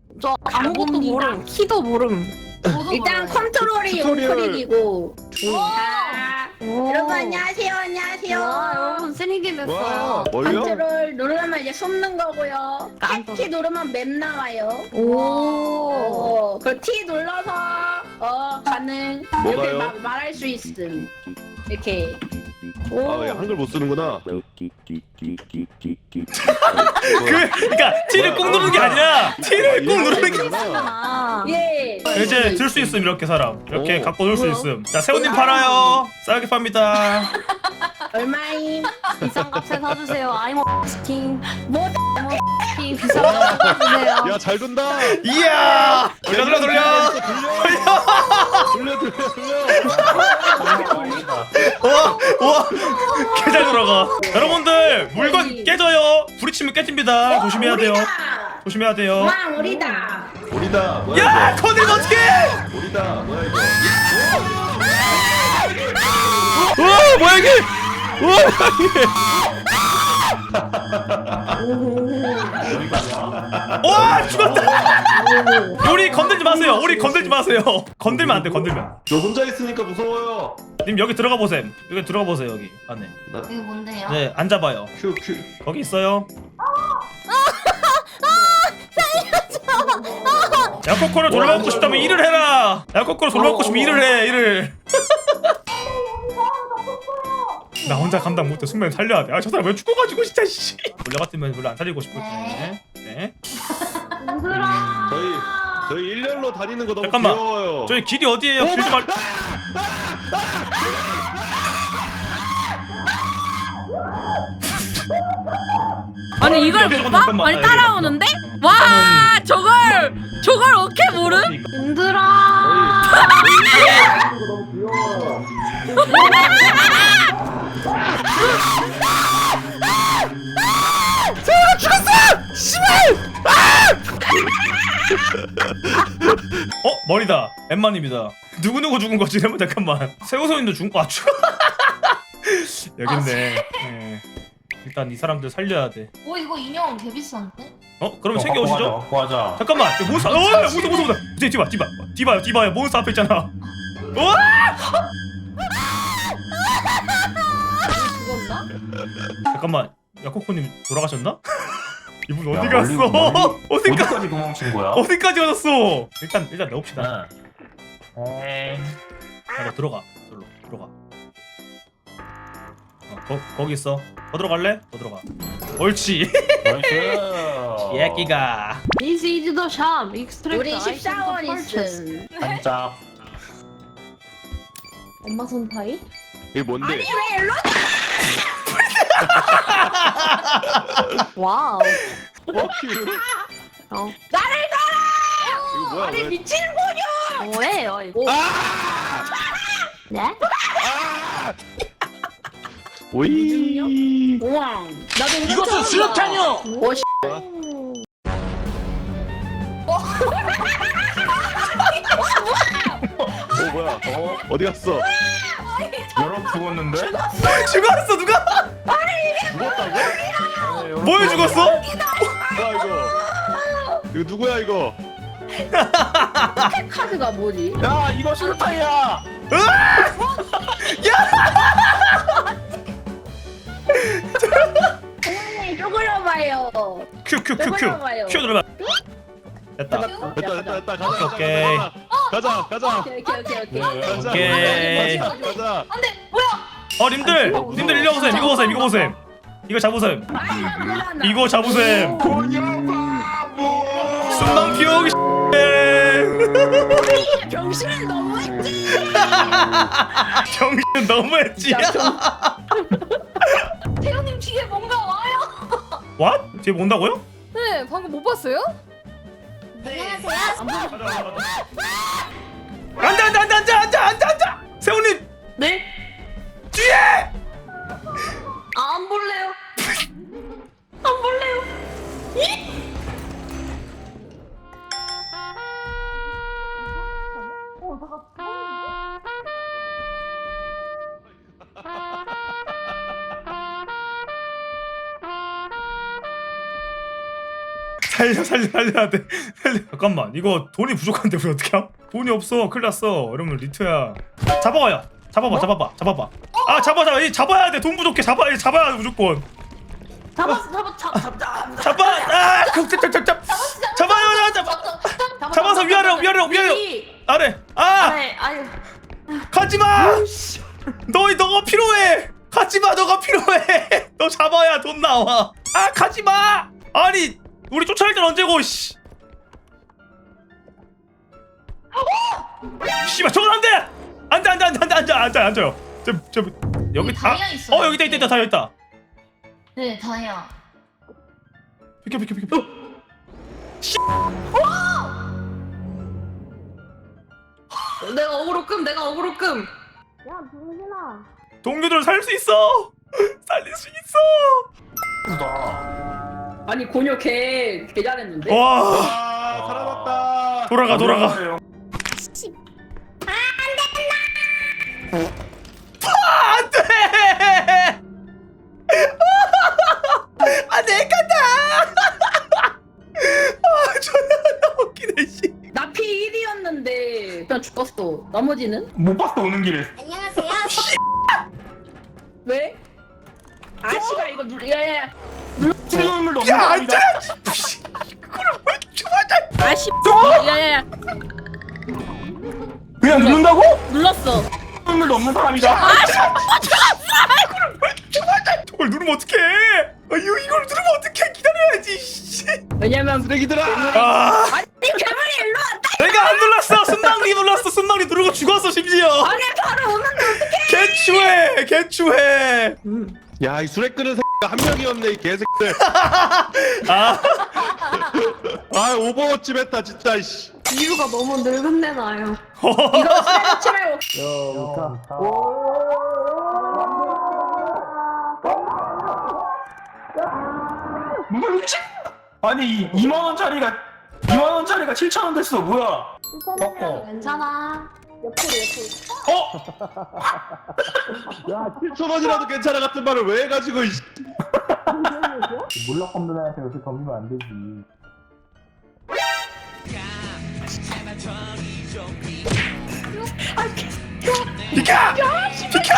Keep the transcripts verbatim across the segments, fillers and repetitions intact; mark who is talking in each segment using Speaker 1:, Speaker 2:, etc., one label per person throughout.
Speaker 1: 저 아무것도 모름. 키도 모름.
Speaker 2: 일단 컨트롤이
Speaker 3: 튜토리얼.
Speaker 2: 우클릭이고.
Speaker 1: 자,
Speaker 2: 여러분 안녕하세요, 안녕하세요.
Speaker 1: 와, 여러분 쓰레기 됐어요.
Speaker 3: 와 뭘요?
Speaker 2: 컨트롤 누르면 이제 숨는 거고요.
Speaker 1: 깜빡.
Speaker 2: T 누르면 맵 나와요.
Speaker 1: 오.
Speaker 2: 어, 그 T 눌러서 어 가능. 이렇게
Speaker 3: 뭐가요?
Speaker 2: 막 말할 수 있음. 이렇게.
Speaker 3: 아 왜 한글 못 쓰는구나.
Speaker 4: 그 그러니까 T를 꼭 누르는 게 아니라 T를 꼭 누르는 게
Speaker 1: 아.
Speaker 2: 예.
Speaker 4: 이제 들 수 있음 이렇게 사람 이렇게
Speaker 3: 오.
Speaker 4: 갖고 놀 수
Speaker 1: 뭐야?
Speaker 4: 있음. 자 세훈님 팔아요. 싸게 팝니다.
Speaker 2: 얼마임?
Speaker 1: 비싼 값에 사주세요. 아이모 치킨.
Speaker 2: 뭐
Speaker 1: 치킨 비싼 값에 사주세요.
Speaker 3: 야 잘 돈다.
Speaker 4: 이야 돌려 돌려 돌려.
Speaker 3: 돌려 돌려 돌려.
Speaker 4: 와, 와, 개잘 돌아가. 여러분들 물건 깨져요. 부딪히면 깨집니다. 조심해야 돼요.
Speaker 2: 우리다.
Speaker 4: 조심해야 돼요.
Speaker 2: 와 우리다.
Speaker 3: 우리다. 뭐야
Speaker 4: 야,
Speaker 3: 이거?
Speaker 4: 건들면 어떡해?
Speaker 3: 우리다. 뭐야 이거?
Speaker 4: 와, 뭐야 이게? 와, 이게? 와, 죽었다. 우리 건들지 마세요. 우리 건들지 마세요. 건들면 안 돼. 건들면.
Speaker 3: 저 혼자 있으니까 무서워요.
Speaker 4: 님 여기 들어가 보세요. 여기 들어가 보세요. 여기 안에.
Speaker 3: 나
Speaker 1: 이게 뭔데요?
Speaker 4: 네, 앉아봐요.
Speaker 3: 큐 큐.
Speaker 4: 거기 있어요. 야코코를 돌아가고 싶다면 일을 해라. 야코코를 돌아가고 싶으면 일을 해. 일을. 나 혼자 감당 못해. 순간 살려야 돼. 아 저 사람 왜 죽어가지고 진짜 씨. 원래 같으면 별로 안 살리고 싶을 텐데. 네.
Speaker 3: 저희 저희 일렬로 다니는 거 너무
Speaker 4: 잠깐만.
Speaker 3: 귀여워요.
Speaker 4: 저희 길이 어디예요? 길 좀 알.
Speaker 5: 아니 이걸
Speaker 4: 여기
Speaker 5: 못
Speaker 4: 잠깐만,
Speaker 5: 봐?
Speaker 4: 잠깐만.
Speaker 5: 아니
Speaker 4: 아,
Speaker 5: 따라오는데?
Speaker 4: 여기
Speaker 5: 와 저걸 저걸 어떻게 모름?
Speaker 1: 힘들어.
Speaker 4: 어 머리다. 엠마님이다. 누구 누구 죽은 거지? 잠깐만 잠깐만. 세우선님도 죽은 거 맞죠? 여기 있네. 네. 일단 이 사람들 살려야 돼.
Speaker 1: 오 이거 인형 개 비싼데?
Speaker 4: 어 그럼 챙겨 오시죠.
Speaker 6: 갖고 가자.
Speaker 4: 잠깐만. 저 몬스터. 어 몬스터 몬스터 몬스터. 이제 디바 디바 디바요 디바요. 몬스터 앞에 있잖아. 우와!
Speaker 2: 죽었나?
Speaker 4: 잠깐만. 야코코님 돌아가셨나? 이분
Speaker 6: 야,
Speaker 4: 어디
Speaker 6: 멀리-
Speaker 4: 갔어?
Speaker 6: 멀리-
Speaker 4: 어디가
Speaker 6: 어디까지 도망친 거야?
Speaker 4: 어디까지 가셨어? 일단 일단 넣읍시다.
Speaker 6: 네.
Speaker 4: 야, 너 들어가. 저로 들어가. 어, 거, 거기 있어. 더 들어갈래? 더 들어가. 옳지.
Speaker 6: 나이스.
Speaker 4: 예끼가.
Speaker 1: This is the shop. Extract
Speaker 2: 우리
Speaker 1: item
Speaker 2: 십사 원
Speaker 1: to purchase.
Speaker 2: 있음.
Speaker 6: 반짝.
Speaker 1: 엄마 손파이?
Speaker 3: 이게 뭔데?
Speaker 2: 아니 왜 일로?
Speaker 1: 와우.
Speaker 3: 어 큐.
Speaker 1: 어.
Speaker 2: 나를 따라!
Speaker 3: 이거 뭐야?
Speaker 2: 아니
Speaker 3: 왜?
Speaker 2: 미친 거냐?
Speaker 1: 뭐예요 이거? 네?
Speaker 3: 오이.
Speaker 2: 우와. 나도 이거
Speaker 6: 이것은 수류탄이요.
Speaker 2: 오 씨.
Speaker 3: 어 뭐야? 어 어디 갔어?
Speaker 6: 여러 죽었는데?
Speaker 4: 죽었어 누가?
Speaker 3: 죽었다고?
Speaker 4: 뭐에 죽었어?
Speaker 3: 뭐야 이거? 이거 누구야 이거?
Speaker 2: 카드가 뭐지?
Speaker 6: 야 이거 수류탄이야.
Speaker 2: 어머니 쪼그려봐요.
Speaker 4: 큐 큐 큐 큐.
Speaker 2: 해봐요.
Speaker 4: 큐 눌러봐. 됐다.
Speaker 3: 됐다 됐다 됐다 가자
Speaker 4: 오케이.
Speaker 3: 가자 가자
Speaker 2: 오케이 오케이 오케이 오케이.
Speaker 3: 가자
Speaker 4: 오케이.
Speaker 3: 가자 가자.
Speaker 2: 안돼 뭐야?
Speaker 4: 어 님들 님들 일로 오세요. 이거 보세요. 이거 보세요. 이거 잡으세요. 이거 잡으세요. 순방 피우기.
Speaker 2: 병신을 너무했지.
Speaker 4: 정신 너무했지.
Speaker 1: 태연님 뒤에 뭔가 와요.
Speaker 4: 왓? 뒤에 뭔다고요?
Speaker 5: 네 방금 못 봤어요?
Speaker 4: 앉아 앉아 앉아 앉아 앉아 앉아 앉아. 세훈님
Speaker 1: 네?
Speaker 4: 뒤에.
Speaker 1: 아, 안 볼래요. 안 볼래요.
Speaker 4: 살려 살려 살려야 돼. 살려. 잠깐만 이거 돈이 부족한데 우리 어떻게 함? 돈이 없어 큰일 났어. 이러면 리트야. 잡아와요. 잡아봐 잡아봐 잡아봐. 아 잡아 잡아 이 잡아야 돼. 돈 부족해. 잡아 이 잡아야 돼 무조건.
Speaker 1: 잡았어 잡았 잡 잡 잡.
Speaker 4: 잡아. 아 잡잡잡잡. 잡아요 잡아. 잡아서 위아래로 위아래로 위아래로 아래. 아
Speaker 1: 네 아유.
Speaker 4: 가지마. 너 너가 필요해. 가지마 너가 필요해. 너 잡아야 돈 나와. 아 가지마. 아니 우리 쫓아낼 땐 언제고 씨. 씨발 저건 안돼. 안돼 안돼 안돼 안돼 안돼 안돼 앉아요. 저저 여기 다.
Speaker 1: 다이아 있어요.
Speaker 4: 어 여기 있다 있다 있다 다 여기 있다.
Speaker 1: 네 다이아.
Speaker 4: 비켜 비켜 비켜.
Speaker 1: 내가 어그로 끔 내가 어그로 끔.
Speaker 2: 야 동진아.
Speaker 4: 동료들 살릴 수 있어. 살릴 수 있어.
Speaker 6: 나.
Speaker 2: 아니 곤요 개, 개 잘했는데?
Speaker 4: 와
Speaker 3: 아 살아났다.
Speaker 4: 돌아가 돌아가. 안돼. 아내 간다. 아 존나 웃기네 씨.
Speaker 2: 나 피 일이었는데 그냥 죽었어. 나머지는?
Speaker 6: 못 봤어 오는 길에.
Speaker 2: 왜? 아 씨발 이거 누 야야
Speaker 6: 실물도 없는
Speaker 4: 야
Speaker 6: 사람이다.
Speaker 4: 앉아야지. 그걸 왜 좋아하자.
Speaker 5: 아씨. 야야야.
Speaker 6: 그냥 누른다고?
Speaker 5: 눌렀어.
Speaker 6: 실물도 없는 사람이다.
Speaker 4: 저걸 누르면 어떡해? 아, 이거 이걸 누르면 어떡해? 기다려야지. 씨.
Speaker 2: 왜냐면
Speaker 3: 쓰레기들아.
Speaker 4: 아,
Speaker 2: 아니 괴물이 일로 왔다.
Speaker 4: 내가 안 눌렀어. 순망리 눌렀어. 순망리 누르고 죽었어 심지어.
Speaker 2: 아니 바로 오는데 어떡해.
Speaker 4: 개추해, 개추해.
Speaker 3: 야 이 수레 끄는 새끼가 한 명이었네 이 개새끼들.
Speaker 4: 아,
Speaker 3: 아 오버워치 메타 진짜 씨.
Speaker 1: 이유가 너무 늙은데 나요.
Speaker 2: 이거 쓰레기 말고.
Speaker 6: 누가 육십? 아니 이만 원짜리가 이만 원짜리가 칠천 원 됐어. 뭐야? 어?
Speaker 1: 괜찮아.
Speaker 6: 어?
Speaker 3: 야 칠천 원이라도 괜찮아 같은 말을 왜 해가지고 이.
Speaker 6: 몰락 없는 애한테 요새 덤비면 안 되지.
Speaker 4: 비켜, 비켜.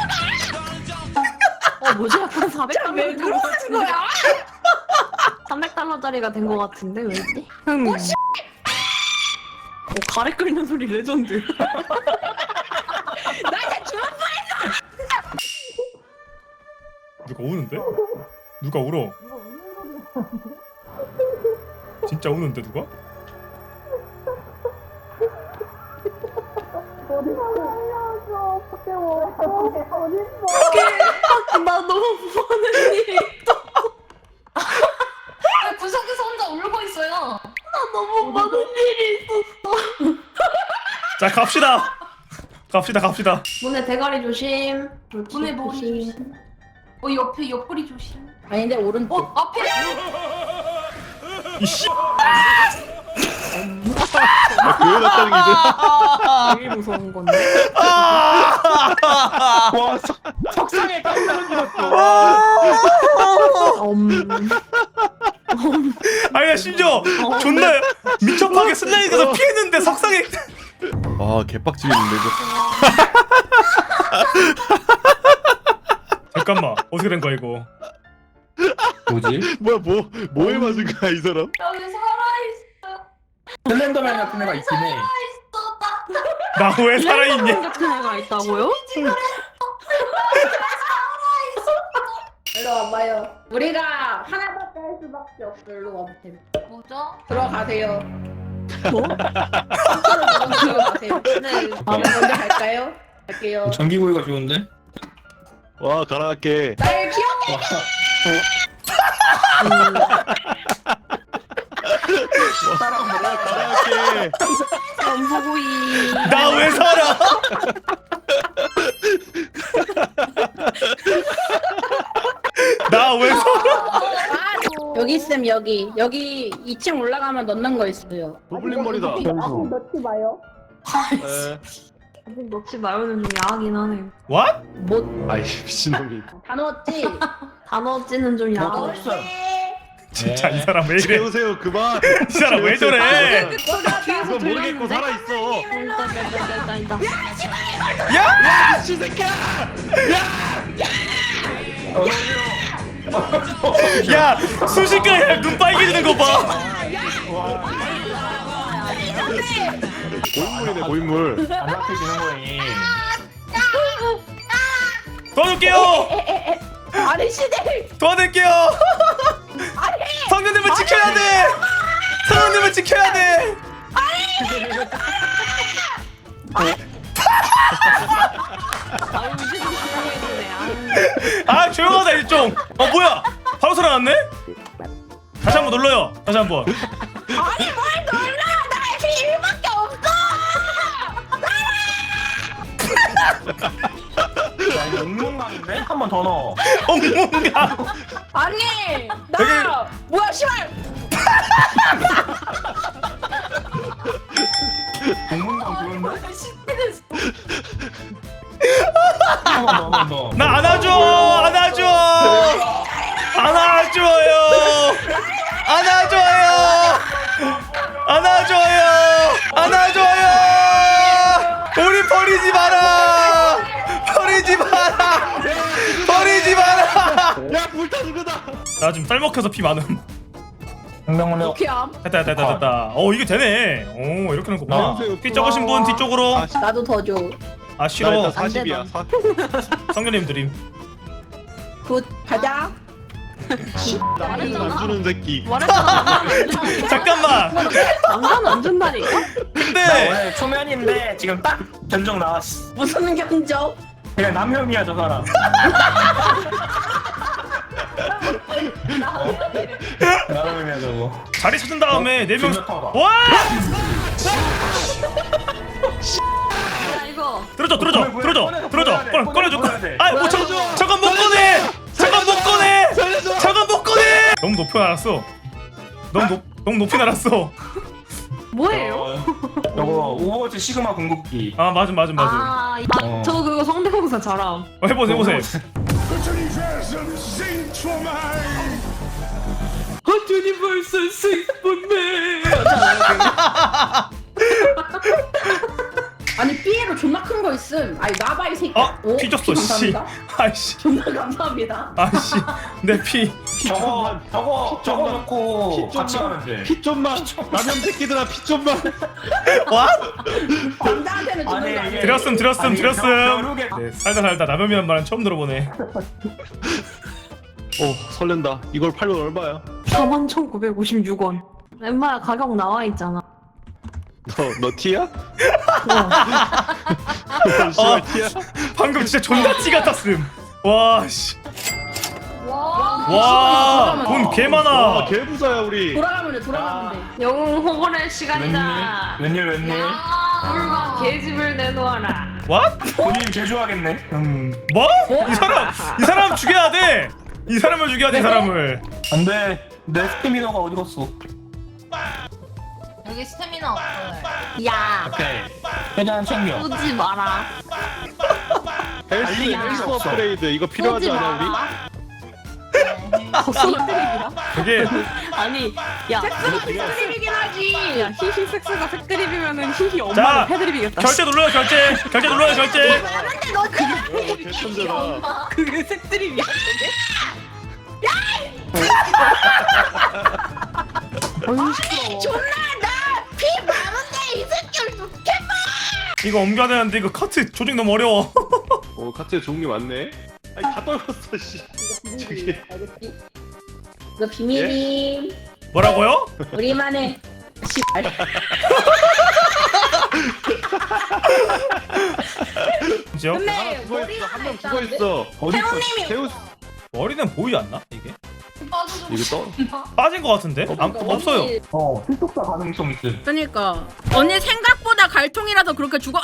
Speaker 1: 어 뭐지? 약간 사백 달러
Speaker 2: 왜 그러는 거야?
Speaker 1: 삼백 달러짜리가 된 거 같은데 왜지? 음. 어, 가래 끓는 소리 레전드.
Speaker 2: 나 이제 죽었어.
Speaker 4: 누가 우는데? 누가 울어? 진짜 우는데 누가?
Speaker 1: 나 너무 무서워하는 일이 있어. 구석에서 혼자 울고 있어요. 나 너무 많은 일이 있었어.
Speaker 4: 자 갑시다. 갑시다 갑시다.
Speaker 1: 문에 대가리 조심. 문에 머리
Speaker 2: 조심.
Speaker 1: 조심. 어 옆에 옆구리 조심.
Speaker 2: 아닌데 오른쪽.
Speaker 1: 어 앞에.
Speaker 4: 이씨.
Speaker 3: 교회 갔다는 게 이제.
Speaker 1: 제일 무서운 건데.
Speaker 6: 와 석- 석상에 깜짝 놀랐어.
Speaker 1: 음.
Speaker 4: 아니야 심지어 존나 민첩하게 슬라이드에서 피했는데 석상에.
Speaker 3: 아 개빡치겠는데 이거.
Speaker 4: 잠깐만 어떻게 된 거야 이거?
Speaker 6: 뭐지?
Speaker 3: 뭐야 뭐 뭐에 맞은 거야 이 사람?
Speaker 1: 여기 살아있어.
Speaker 6: 슬렌더맨 같은 애가 있긴 해.
Speaker 1: 있어
Speaker 4: 나 왜 살아있니?
Speaker 1: 같은 애가 있다고요?
Speaker 2: 일로 와봐요. 우리가 하나밖에 할 수밖에 없어. 일로 와보세요.
Speaker 1: 뭐죠?
Speaker 2: 들어가세요.
Speaker 1: 뭐?
Speaker 2: 들어가세요.
Speaker 1: 네.
Speaker 2: 먼저 갈까요? 갈게요.
Speaker 6: 전기구이가 좋은데?
Speaker 3: 와 가라앉게.
Speaker 2: 날 귀엽게.
Speaker 3: 가라앉게.
Speaker 1: 전부구이.
Speaker 4: 나 왜 살아? 나 왜 살아?
Speaker 2: 아, 여기 있음 여기. 여기 이 층 올라가면 넣는 거 있어요.
Speaker 3: 고블린 머리다.
Speaker 2: 넣지 마요.
Speaker 3: 에.
Speaker 1: 아직 넣지 말고는 좀 야하긴 하네요.
Speaker 4: What?
Speaker 2: 못.
Speaker 3: 아이 미친놈이.
Speaker 2: 다 넣었지?
Speaker 1: 다 넣었지는 좀
Speaker 6: 뭐
Speaker 1: 야하네.
Speaker 6: 없어.
Speaker 4: 진짜 이 사람 왜 이래?
Speaker 3: 세우세요 그만.
Speaker 4: 이 사람 왜 저래?
Speaker 3: 그거 모르겠고 살아 있어.
Speaker 4: 야!
Speaker 3: 이 새끼야.
Speaker 4: 야! 순식간에 눈 빨개지는 거 봐.
Speaker 3: 고인물이네 고인물.
Speaker 6: 안 잡혀지는 거니.
Speaker 4: 도와줄게요.
Speaker 2: 아저씨들
Speaker 4: 도와드릴게요. 성년님을 지켜야 돼. 성년님을 지켜야 돼. 아 조용하다 일종. 어 뭐야? 바로 살아났네? 다시 한번 눌러요. 다시 한번.
Speaker 2: 아니 뭘 놀라 나 이렇게 일밖에 없어
Speaker 6: 야 이거 엉망인데? 한 번 더 넣어.
Speaker 4: 엉망가.
Speaker 2: 아니 나
Speaker 4: 여기-
Speaker 2: 뭐야 씨발
Speaker 6: 엉망 좋은데? 한 번 더, 한 번 더.
Speaker 4: 나 안아줘. 안아줘. 안아줘요. 안아줘요. 안아줘요. 안아줘요. 우리 버리지 마라. 버리지 마라. 버리지 마라.
Speaker 3: 야 불타는 거다.
Speaker 4: 나 지금 쌀먹혀서 피 많음.
Speaker 6: 엉망
Speaker 2: 어떻게 함?
Speaker 4: 됐다 됐다 됐다 됐다. 어 이게 되네. 오 이렇게 하는 거구나.
Speaker 3: 나오세요.
Speaker 4: 피 적으신 분 뒤쪽으로.
Speaker 3: 아, 씨.
Speaker 2: 나도 더줘
Speaker 4: 아
Speaker 3: 나
Speaker 4: 싫어.
Speaker 3: 일단 사십이야. 사.
Speaker 4: 성년님 드림.
Speaker 2: 굿 가자
Speaker 3: 남자는 안 주는 새끼.
Speaker 4: 잠깐만.
Speaker 5: 남자는 안 준다니까?
Speaker 6: 나
Speaker 4: 근데
Speaker 6: 원래 초면인데 지금 딱 견적 나왔어.
Speaker 2: 무슨 견적
Speaker 6: 그냥 남혐이야 저 사람. 남혐이야 저거.
Speaker 4: 자리 찾은 다음에 네 명.
Speaker 6: 중요하다.
Speaker 4: 와!
Speaker 5: 야 이거
Speaker 4: 들어줘 들어줘
Speaker 6: 꺼내,
Speaker 4: 들어줘
Speaker 6: 꺼내,
Speaker 4: 들어줘
Speaker 6: 꺼내야 돼,
Speaker 4: 꺼내 꺼내줘.
Speaker 6: 꺼내야 돼.
Speaker 4: 아 뭐, 저, 잠깐 못 꺼내. 잠깐 못 꺼내.
Speaker 3: 살려줘.
Speaker 4: 잠깐 못 꺼내. 너무 높이 날았어. 너무 높 너무 높이 날았어.
Speaker 5: 뭐예요?
Speaker 6: 어, 저거 오버워치 시그마 궁극기.
Speaker 4: 아 맞음 맞음 맞음.
Speaker 5: 아,
Speaker 6: 어.
Speaker 5: 아, 저 그거 성대모사 잘함.
Speaker 4: 어, 해보세요 해보세요.
Speaker 5: 유니버설 스윗본맨.
Speaker 2: 아니 삐에로 존나 큰 거 있음 아니 나봐 이 새끼
Speaker 4: 아
Speaker 2: 오,
Speaker 4: 피 줬어
Speaker 2: 피
Speaker 4: 씨.
Speaker 2: 감사합니다.
Speaker 4: 아이씨
Speaker 2: 존나 감사합니다
Speaker 4: 아이씨 내 피.
Speaker 6: 저거 저거 저거
Speaker 3: 좀만.
Speaker 6: 놓고
Speaker 3: 피
Speaker 6: 같이
Speaker 3: 좀만.
Speaker 6: 가면 돼.
Speaker 3: 피 좀만. 라면 새끼들아 피 좀만.
Speaker 4: 와?
Speaker 2: 남자한테는 주는
Speaker 6: 아니,
Speaker 2: 거 아니야
Speaker 6: 이게-
Speaker 4: 드렸음 드렸음
Speaker 6: 아니,
Speaker 4: 드렸음.
Speaker 6: 벼- 벼룩에-
Speaker 4: 네 살다 살다 라면이란 말은 처음 들어보네.
Speaker 3: 오 설렌다. 이걸 팔면 얼마야?
Speaker 5: 사만 천구백오십육 원. 엠마야 가격 나와 있잖아.
Speaker 3: 너너 티야?
Speaker 5: 어.
Speaker 3: 너 씨발 티야?
Speaker 4: 방금 진짜 존나 찌 같았음. 와 씨.
Speaker 2: 와
Speaker 4: 와돈 개
Speaker 3: 아
Speaker 4: 많아.
Speaker 3: 개부자야 우리.
Speaker 2: 돌아가면 돼 돌아가면 돼
Speaker 5: 영웅 호건의 시간이다.
Speaker 6: 웬일 웬일 웬일.
Speaker 5: 물과 계집을 내놓아라.
Speaker 4: 와?
Speaker 6: 본인 제조하겠네. 음.
Speaker 4: 뭐? 이 사람 이 사람 죽여야 돼. 이 사람을 죽여야 돼 이 사람을.
Speaker 6: 안돼. 내 스태미너가 어디 갔어?
Speaker 1: 여기 스태미나 없어요.
Speaker 5: 야
Speaker 6: 오케이. 그냥 챙겨.
Speaker 5: 쏘지 마라.
Speaker 3: 헬스
Speaker 6: 알리야.
Speaker 3: 헬스 업그레이드 이거 필요하지
Speaker 5: 쏘지
Speaker 3: 않아 우리?
Speaker 5: 마라.
Speaker 1: 네.
Speaker 4: 그게
Speaker 5: 아니 야
Speaker 2: 섹스드립이긴 하지
Speaker 5: 야 히히 섹스가 색드립이면은 히히
Speaker 4: 자,
Speaker 5: 엄마를 패드립이겠다.
Speaker 4: 결제 눌러요 결제. 결제 눌러요 결제.
Speaker 3: 와 개천재다.
Speaker 5: 그게 색드립이야.
Speaker 2: 존나 나피 많은데 이 새끼를 어떻게
Speaker 4: 이거 옮겨야 되는데 이거 카트 조직 너무 어려워.
Speaker 3: 어 카트에 종류 많네. 아니 다 떨궜어 씨. 저기.
Speaker 2: 알겠지? 이거 비밀임
Speaker 4: 뭐라고요?
Speaker 2: 우리만의 씨발
Speaker 4: 그죠?
Speaker 2: 근데
Speaker 3: 하나 죽어
Speaker 2: 머리
Speaker 3: 있어.
Speaker 2: 하나
Speaker 3: 한 명
Speaker 2: 있다는데?
Speaker 3: 죽어 있어.
Speaker 6: 어디 있어?
Speaker 2: 태호님이
Speaker 3: 태우
Speaker 4: 머리는 보이지 않나 이게?
Speaker 3: 이거 떠?
Speaker 4: 빠진 것 같은데? 안, 없어요.
Speaker 6: 어. 필독사 가능성 있음.
Speaker 5: 그러니까 언니 생각보다 갈통이라서 그렇게 죽어. 아!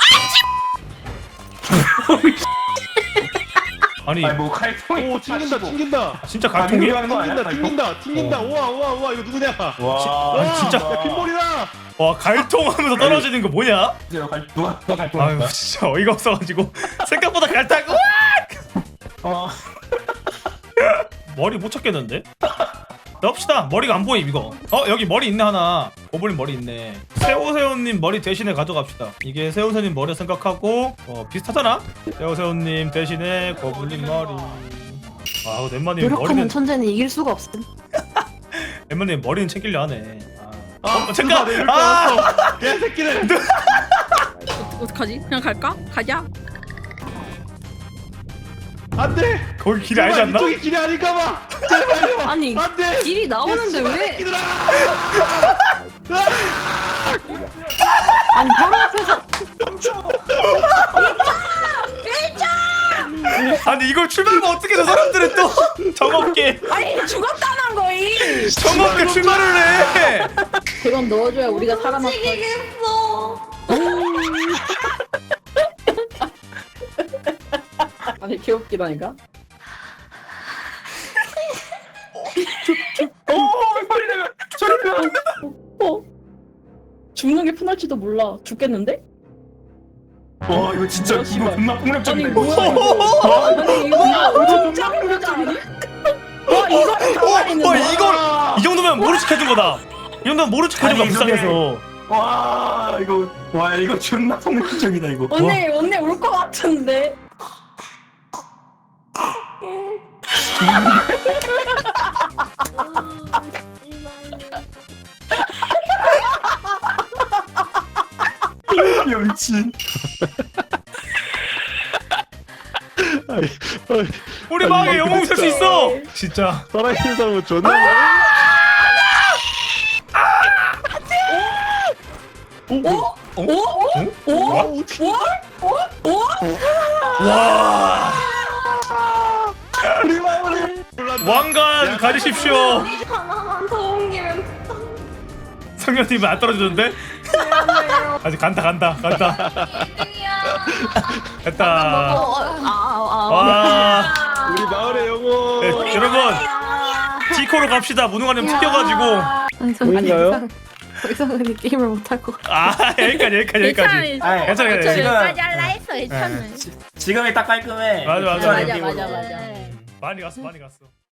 Speaker 4: 아니
Speaker 6: 아니 뭐 칼통이.
Speaker 3: 오 튕긴다 튕긴다.
Speaker 4: 진짜
Speaker 6: 아,
Speaker 4: 갈통이?
Speaker 6: 하는 거 아니야?
Speaker 3: 튕긴다 튕긴다 튕긴다.
Speaker 6: 어.
Speaker 3: 우와 우와 우와 이거 누구냐?
Speaker 6: 와.
Speaker 4: 아니, 진짜.
Speaker 3: 야, 핀볼이다.
Speaker 4: 와 갈통하면서 떨어지는 거 뭐냐?
Speaker 6: 누가 갈- 누가 누가
Speaker 4: 아유
Speaker 6: 갈통했다.
Speaker 4: 진짜 어이가 없어가지고 생각보다 갈타고
Speaker 6: 어.
Speaker 4: 머리 못 찾겠는데? 넣읍시다. 머리가 안 보임 이거. 어 여기 머리 있네 하나. 고블린 머리 있네. 세오세오님 머리 대신에 가져갑시다. 이게 세오세오님 머리 생각하고 어 비슷하잖아. 세오세오님 대신에 고블린 머리. 아 엠마님
Speaker 5: 노력하는
Speaker 4: 머리는
Speaker 5: 천재는 이길 수가 없음.
Speaker 4: 엠마님 머리는 챙기려 하네. 아,
Speaker 3: 아
Speaker 4: 어, 잠깐.
Speaker 3: 잠깐
Speaker 4: 아
Speaker 3: 개새끼들.
Speaker 7: 어떡하지? 그냥 갈까? 가자.
Speaker 3: 안돼.
Speaker 4: 거기 길이 알지 않나?
Speaker 3: 이쪽이 길이 아닌가봐. 제발요.
Speaker 5: 아니
Speaker 3: 안돼.
Speaker 5: 길이 나오는데 왜? 아니 바로 앞에서
Speaker 4: 아니 이걸 출발하면 어떻게 저 사람들은 또 정없게
Speaker 7: 아니 죽었다는 거임.
Speaker 4: 정없게 출발을 해.
Speaker 2: 그건 넣어줘야 우리가 살아남아.
Speaker 1: 미치겠어.
Speaker 2: 아니 귀엽기다니까.
Speaker 6: 오 소리 내면 소리 내면.
Speaker 2: 어? 죽는 게 편할지도 몰라. 죽겠는데?
Speaker 6: 와 이거 진짜
Speaker 2: 뭐야,
Speaker 6: 이거
Speaker 2: 씨발.
Speaker 6: 존나 폭력적인데.
Speaker 2: 아니 뭐야 이거? 아니 이거 진짜 힘들지 않니? 와 이거를 당황했는데.
Speaker 4: 어 이걸 이 정도면 모른 척 해준 거다. 이 정도면 모른 척 해준 거야
Speaker 6: 아니,
Speaker 4: 불쌍해서.
Speaker 6: 와 이거 와 이거 존나 폭력적이다 이거.
Speaker 2: 언니 언니 울 것 같은데.
Speaker 6: 야 미친.
Speaker 3: 아이, 어이,
Speaker 4: 우리 마음에 영웅 살 수 있어. 진짜.
Speaker 3: 살아있는 사람은 존나 많아.
Speaker 4: 어?
Speaker 2: 오?
Speaker 4: 와.
Speaker 3: 우리 마음을
Speaker 4: 왕관 가지십시오.
Speaker 1: 하나만 더 옮기면
Speaker 4: 성현님 안 떨어지는데? 아직 간다 간다 간다.
Speaker 1: 이야.
Speaker 4: 됐다.
Speaker 5: 아아아
Speaker 4: 와.
Speaker 3: 우리 마을의 영혼.
Speaker 4: 네, 여러분 디코로 갑시다. 무능하님 튀겨가지고.
Speaker 5: 아니 저
Speaker 3: 보이나요?
Speaker 5: 더 이상은 게임을 못할 것 같아.
Speaker 4: 아 여기까지 여기까지 여기까지.
Speaker 6: 아이,
Speaker 4: 괜찮아, 괜찮아.
Speaker 6: 지금
Speaker 7: 여기까지 할라 했어. 괜찮네.
Speaker 6: 지금이 딱 깔끔해.
Speaker 4: 맞아, 맞아.
Speaker 7: 맞아
Speaker 6: 느낌으로.
Speaker 7: 맞아 맞아.
Speaker 4: 많이 갔어 많이 갔어.